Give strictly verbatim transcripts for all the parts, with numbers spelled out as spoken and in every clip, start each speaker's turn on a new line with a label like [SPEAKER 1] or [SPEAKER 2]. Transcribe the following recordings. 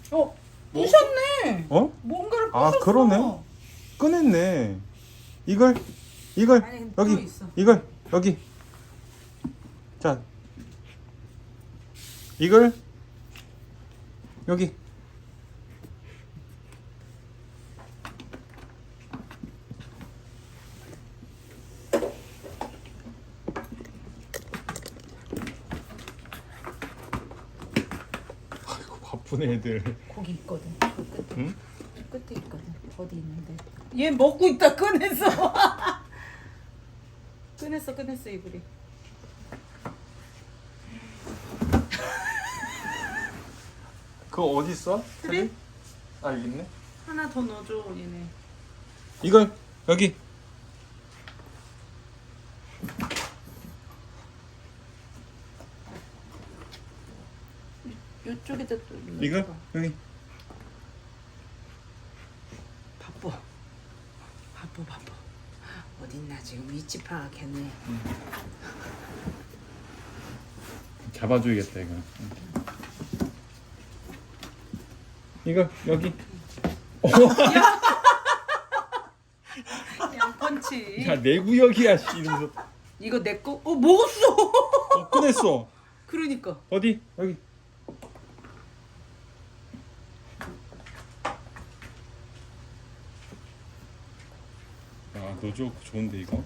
[SPEAKER 1] 어, 부셨네.
[SPEAKER 2] 어?
[SPEAKER 1] 뭔가를
[SPEAKER 2] 아,
[SPEAKER 1] 부셨어.
[SPEAKER 2] 그러네. 꺼냈네. 이걸 이걸
[SPEAKER 1] 아니,
[SPEAKER 2] 여기
[SPEAKER 1] 들어있어.
[SPEAKER 2] 이걸 여기. 자, 이걸 여기. 아이고 바쁜 애들.
[SPEAKER 1] 거기 있거든. 그 끝에.
[SPEAKER 2] 응?
[SPEAKER 1] 저 끝에 있거든. 어디 있는데? 얘 먹고 있다 꺼냈어. 꺼냈어, 꺼냈어 이불이.
[SPEAKER 2] 그거 어디 있어?
[SPEAKER 1] 트리?
[SPEAKER 2] 아 여기 있네.
[SPEAKER 1] 하나 더 넣어줘 얘네.
[SPEAKER 2] 이걸 여기.
[SPEAKER 1] 요쪽에다 또 넣어줘.
[SPEAKER 2] 이걸 여기.
[SPEAKER 1] 바빠. 바빠 바빠. 어딨나 지금 위치 파악했네.
[SPEAKER 2] 잡아줘야겠다 이거. 이거 여기.
[SPEAKER 1] 양펀치.
[SPEAKER 2] 야 내 구역이야 씨 이러면서.
[SPEAKER 1] 이거 내 거? 어 먹었어.
[SPEAKER 2] 어, 꺼냈어.
[SPEAKER 1] 그러니까.
[SPEAKER 2] 어디 여기. 야너 저 좋은데 이거.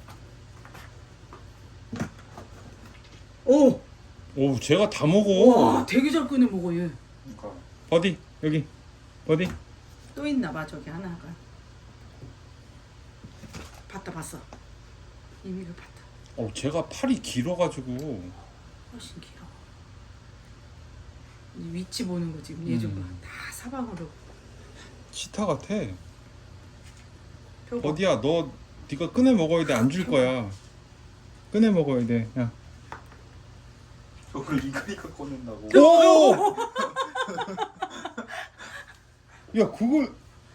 [SPEAKER 1] 오.
[SPEAKER 2] 오 제가 다 먹어.
[SPEAKER 1] 와 되게 잘 꺼내 먹어 얘.
[SPEAKER 2] 어디 여기 어디.
[SPEAKER 1] 또 있나 봐 저기 하나가. 봤다 봤어. 이미를 봤다.
[SPEAKER 2] 어 제가 팔이 길어가지고.
[SPEAKER 1] 훨씬 길어. 이 위치 보는 거 지금 얘 좀 봐.
[SPEAKER 2] 음.
[SPEAKER 1] 다 사방으로.
[SPEAKER 2] 치타 같아.
[SPEAKER 1] 펴봐.
[SPEAKER 2] 어디야 너 네가 꺼내 먹어야 돼. 안 줄 거야. 꺼내 먹어야 돼. 야.
[SPEAKER 3] 저걸 이거니까 꺼낸다고.
[SPEAKER 2] 오! 야 그걸.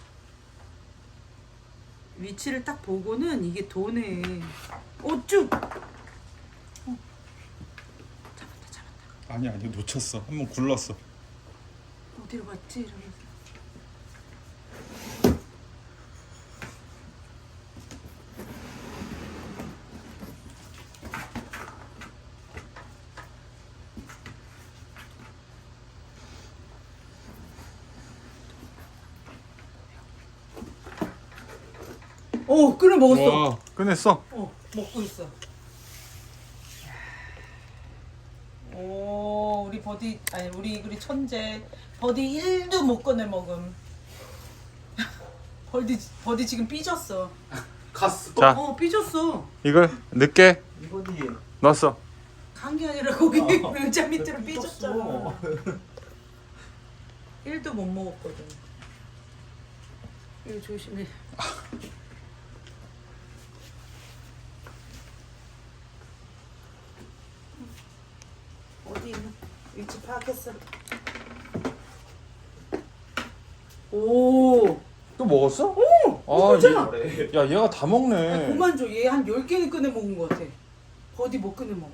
[SPEAKER 1] 위치를 딱 보고는 이게 도네. 어쭈. 어. 잡았다 잡았다.
[SPEAKER 2] 아니 아니 놓쳤어. 한 번 굴렀어.
[SPEAKER 1] 어디로 갔지 이러면서. 어 끓여 먹었어.
[SPEAKER 2] 와 꺼냈어.
[SPEAKER 1] 어 먹고 있어. 오 우리 버디 아니 우리 이글이 천재. 버디 일도 못 꺼내 먹음. 버디 버디 지금 삐졌어.
[SPEAKER 3] 갔어.
[SPEAKER 2] 자
[SPEAKER 1] 어 삐졌어.
[SPEAKER 2] 이걸 늦게
[SPEAKER 3] 이거니.
[SPEAKER 2] 넣었어.
[SPEAKER 1] 간 게 아니라 거기
[SPEAKER 3] 어.
[SPEAKER 1] 의자 밑으로 삐졌잖아.
[SPEAKER 3] 삐졌어.
[SPEAKER 1] 일도 못 먹었거든. 이거 조심해. 어디 있나? 위치 파악했어. 오.
[SPEAKER 2] 또 먹었어?
[SPEAKER 1] 오.
[SPEAKER 2] 아,
[SPEAKER 1] 먹었잖아.
[SPEAKER 3] 그래.
[SPEAKER 2] 야 얘가 다
[SPEAKER 1] 아,
[SPEAKER 2] 먹네.
[SPEAKER 1] 그만 줘. 얘 한 열 개는 꺼내 먹은 것 같아. 버디 못 꺼내 먹어.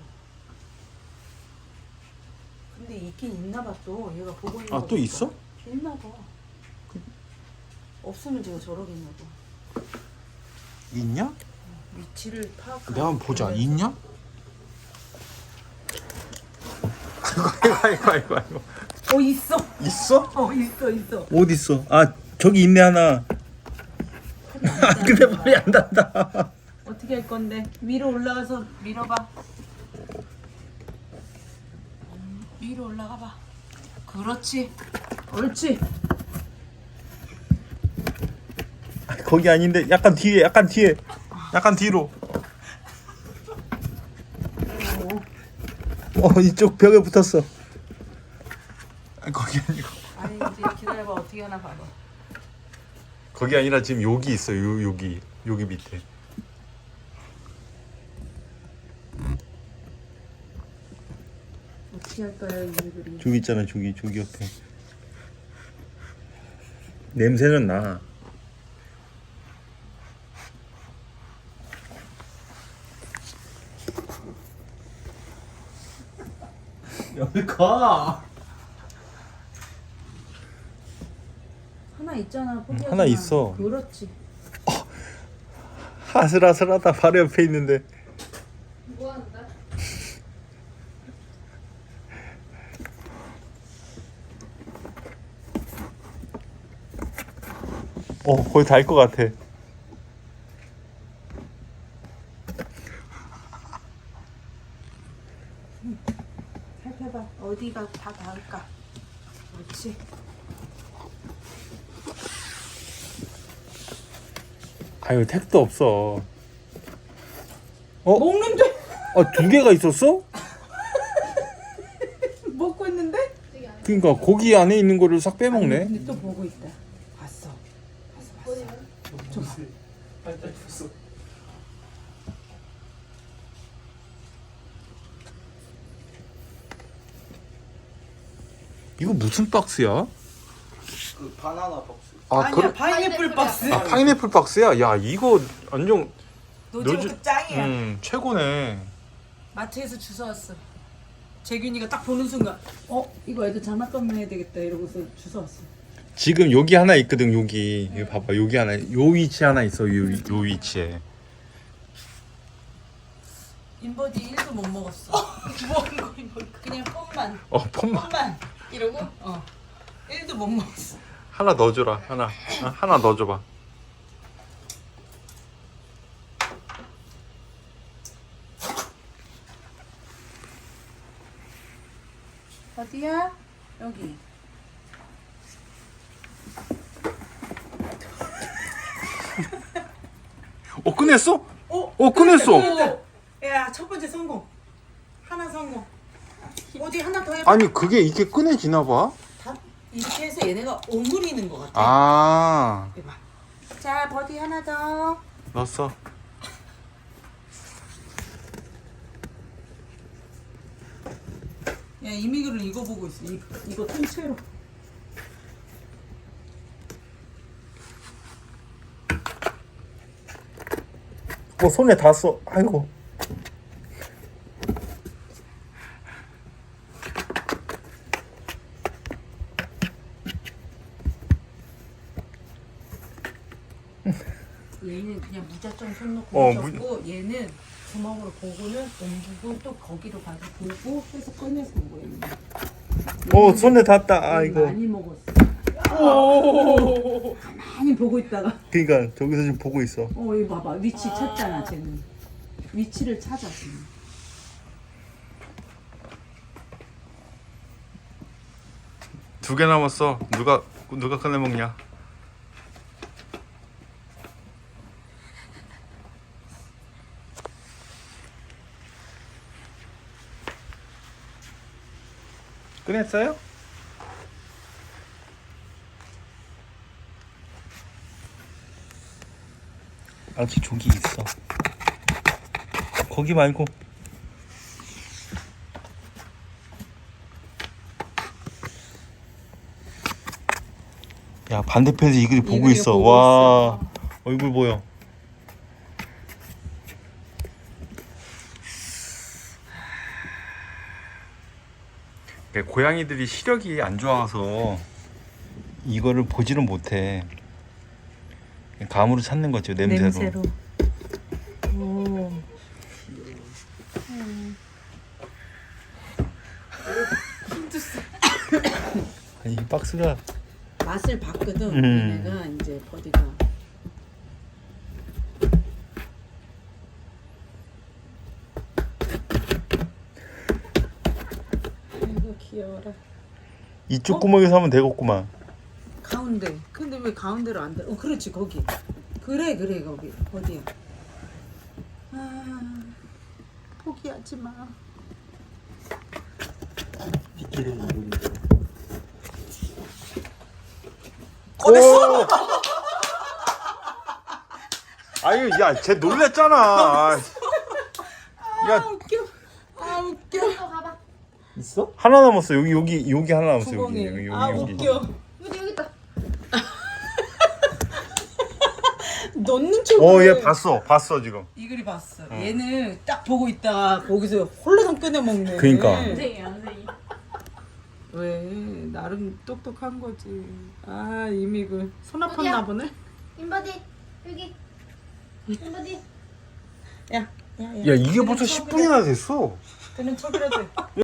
[SPEAKER 1] 근데 있긴 있나 봐 또. 얘가 보고 있는
[SPEAKER 2] 아,
[SPEAKER 1] 거
[SPEAKER 2] 또
[SPEAKER 1] 보니까.
[SPEAKER 2] 있어?
[SPEAKER 1] 있나 봐. 없으면 제가 저러겠나 봐.
[SPEAKER 2] 있냐?
[SPEAKER 1] 위치를 파악.
[SPEAKER 2] 내가 한번 보자. 있냐? 아이고 아이고 아이고 아이고.
[SPEAKER 1] 어 있어.
[SPEAKER 2] 있어?
[SPEAKER 1] 어 있어 있어.
[SPEAKER 2] 어디 있어? 아 저기 있네 하나. 아 근데 말이 안 닿는다.
[SPEAKER 1] 어떻게 할 건데? 위로 올라가서 밀어봐. 음, 위로 올라가 봐. 그렇지. 옳지.
[SPEAKER 2] 거기 아닌데 약간 뒤에 약간 뒤에 약간 뒤로. 어 이쪽 벽에 붙었어. 아, 거기 아니고.
[SPEAKER 1] 아니 이제 기다려봐. 어떻게 하나 봐봐.
[SPEAKER 2] 거기 아니라 지금 여기 있어. 요 여기 여기 밑에.
[SPEAKER 1] 어떻게 할까요 이 그림?
[SPEAKER 2] 저기 있잖아. 저기 저기 옆에. 냄새는 나.
[SPEAKER 3] 여기 가.
[SPEAKER 1] 있잖아. 포기하지
[SPEAKER 2] 하나
[SPEAKER 1] 마.
[SPEAKER 2] 있어.
[SPEAKER 1] 그렇지.
[SPEAKER 2] 아슬아슬하다. 바로 옆에 있는데.
[SPEAKER 4] 뭐 하는데?
[SPEAKER 2] 어 거의 닿을 것 같아.
[SPEAKER 1] 살펴봐. 어디가 다 닿을까? 그렇지.
[SPEAKER 2] 아유 택도 없어. 어?
[SPEAKER 1] 먹는데
[SPEAKER 2] 아 두 개가 있었어?
[SPEAKER 1] 먹고 있는데?
[SPEAKER 2] 그러니까 고기 안에 있는 거를 싹 빼먹네.
[SPEAKER 1] 근데 또 보고 있다. 봤어. 봤어. 봤어.
[SPEAKER 3] 빨리 줬어.
[SPEAKER 2] 이거 무슨 박스야?
[SPEAKER 3] 그 바나나 박스.
[SPEAKER 2] 아
[SPEAKER 1] 아니야
[SPEAKER 2] 그래?
[SPEAKER 1] 파인애플 박스.
[SPEAKER 2] 아 파인애플 박스야? 야 이거 완전
[SPEAKER 1] 노즈부터
[SPEAKER 2] 노즈-
[SPEAKER 1] 짱이야.
[SPEAKER 2] 음 최고네.
[SPEAKER 1] 마트에서 주워왔어. 재균이가 딱 보는 순간 어? 이거 애들 장난감 해야 되겠다 이러고서 주워왔어.
[SPEAKER 2] 지금 여기 하나 있거든. 여기 이거 봐봐. 여기 하나 요 위치 하나 있어. 요, 위- 요 위치에.
[SPEAKER 1] 인버디 일도 못 먹었어. 뭐한 거 인버디. 그냥 폰만
[SPEAKER 2] 어 폰만
[SPEAKER 1] 폰만 이러고 어 일도 못 먹었어.
[SPEAKER 2] 하나 넣어줘라. 하나 어, 하나 넣어줘봐.
[SPEAKER 1] 어디야? 여기.
[SPEAKER 2] 어 꺼냈어?
[SPEAKER 1] 어?
[SPEAKER 2] 어 꺼냈어.
[SPEAKER 1] 야, 첫 번째 성공. 하나 성공. 어디 하나 더 해봐.
[SPEAKER 2] 아니 그게 이게 꺼내지나 봐.
[SPEAKER 1] 다 이렇게 해서 얘네가 오므리는 것 같아.
[SPEAKER 2] 아
[SPEAKER 1] 해봐. 자, 버디 하나 더.
[SPEAKER 2] 넣었어.
[SPEAKER 1] 야, 이미그를 이거 보고 있어. 이, 이거 통째로.
[SPEAKER 2] 어 손에 닿았어. 아이고.
[SPEAKER 1] 얘는 그냥 무작정 손 놓고
[SPEAKER 2] 어,
[SPEAKER 1] 묻혔고 얘는 주먹으로 보고는 옮기고 또 거기로 가서 보고 해서 꺼내서 먹어 얘는.
[SPEAKER 2] 어 손에 닿았다.
[SPEAKER 1] 얘는
[SPEAKER 2] 아이고.
[SPEAKER 1] 많이 먹었어. 가만히 보고 있다가
[SPEAKER 2] 그러니까 저기서 지금 보고 있어.
[SPEAKER 1] 어 이거 봐봐 위치 찾잖아 쟤는. 위치를 찾아 지금.
[SPEAKER 2] 두 개 남았어. 누가 누가 꺼내 먹냐? 꺼냈어요? 아직 저기 있어. 거기 말고. 야 반대편에서 이글이 보고
[SPEAKER 1] 이글이가
[SPEAKER 2] 있어.
[SPEAKER 1] 보고
[SPEAKER 2] 와 얼굴 보여. 고양이들이 시력이 안 좋아서 이거를 보지는 못해. 감으로 찾는 거죠. 냄새로.
[SPEAKER 1] 냄새로. 오.
[SPEAKER 2] 아니 이 박스가
[SPEAKER 1] 맛을 봤거든.
[SPEAKER 2] 음.
[SPEAKER 1] 얘네가 이제 버디가. 아이고 귀여워라.
[SPEAKER 2] 이쪽
[SPEAKER 1] 어?
[SPEAKER 2] 구멍에서 하면 되겠구만.
[SPEAKER 1] 가운데. 근데 왜 가운데로 안 돼? 어 그렇지 거기. 그래 그래 거기 어디야? 아 포기하지 마.
[SPEAKER 2] 꺼냈어. 아유 야쟤 놀랬잖아.
[SPEAKER 1] 아
[SPEAKER 2] 야
[SPEAKER 1] 웃겨. 아 웃겨.
[SPEAKER 4] 또 가봐.
[SPEAKER 2] 있어? 하나 남았어. 여기 여기 여기 하나 남았어. 여기
[SPEAKER 1] 구멍에.
[SPEAKER 2] 여기
[SPEAKER 1] 아
[SPEAKER 2] 여기.
[SPEAKER 1] 웃겨.
[SPEAKER 4] 여기 여기 있다.
[SPEAKER 1] 넣는 척.
[SPEAKER 2] 어얘 봤어 봤어 지금.
[SPEAKER 1] 이글이 봤어. 얘는 딱 보고 있다가 거기서 홀라당 꺼내 먹네.
[SPEAKER 2] 그러니까.
[SPEAKER 4] 선생님 선생님.
[SPEAKER 1] 왜 나름 똑똑한 거지. 아 이미 그 손 아팠나
[SPEAKER 4] 어디야?
[SPEAKER 1] 보네.
[SPEAKER 4] 인바디 여기. 인바디.
[SPEAKER 1] 야, 야, 야.
[SPEAKER 2] 야 이게 벌써 십 분이나 됐어.
[SPEAKER 1] 그는 척이라도 해.